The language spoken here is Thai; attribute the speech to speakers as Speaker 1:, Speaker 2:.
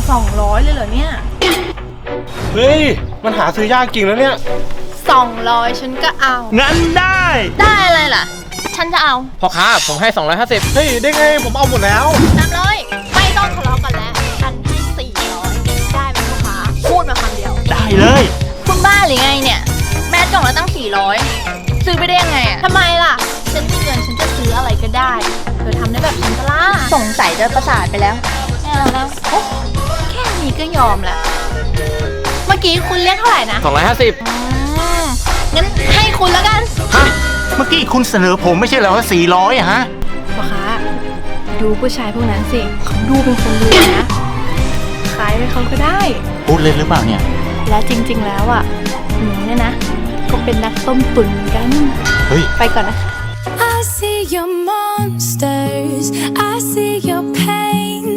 Speaker 1: 200เลยเหรอเนี่ย
Speaker 2: เฮ้ยมันหาซื้อยากจริงแล้วเนี่ย
Speaker 1: 200ฉันก็เอา
Speaker 3: งั้นได้
Speaker 1: ได้อะไรล่ะ ฉันจะเอา
Speaker 3: พ่อค้าผมให้250
Speaker 2: เฮ้ยได้ไงผมเอาหมดแล้ว
Speaker 1: 300ไม่ต้องทะเลาะกันแล้วฉันให้400ได้ไหมพ่อค้าพูดมาคำเดียว
Speaker 3: ได้เลย
Speaker 1: คุณบ้าหรือไงเนี่ย แม่กล่องละตั้ง400ซื้อไปได้ยังไงอะทำไมล่ะ ฉันมีเงินฉันจะซื้ออะไรก็ได้เธอทำได้แบบฉันก็ล่ะสงสัยจะประสาทไปแล้วไม่เอาแล้วโอ้แค่นี้ก็ยอมแล้วเมื่อกี้คุณเรียกเท่าไหร่นะ
Speaker 3: 250
Speaker 1: งั้นให้คุณแล้วกัน
Speaker 4: ฮะ เมื่อกี้คุณเสนอผมไม่ใช่เหรอว่า400อะฮะ
Speaker 1: พ่อค้าดูผู้ชายพวกนั้นสิเขาดูเป็นคนรวยนะขายไปเขาก็ได้
Speaker 4: พูดเล่นหรือเปล่าเนี่ย
Speaker 1: และจริงๆแล้วอ่ะหนูเนี่ยนะก็เป็นนักต้มตุ๋นกัน
Speaker 4: เฮ้ย
Speaker 1: ไปก่อนนะ
Speaker 5: I see your monsters, I see your pain.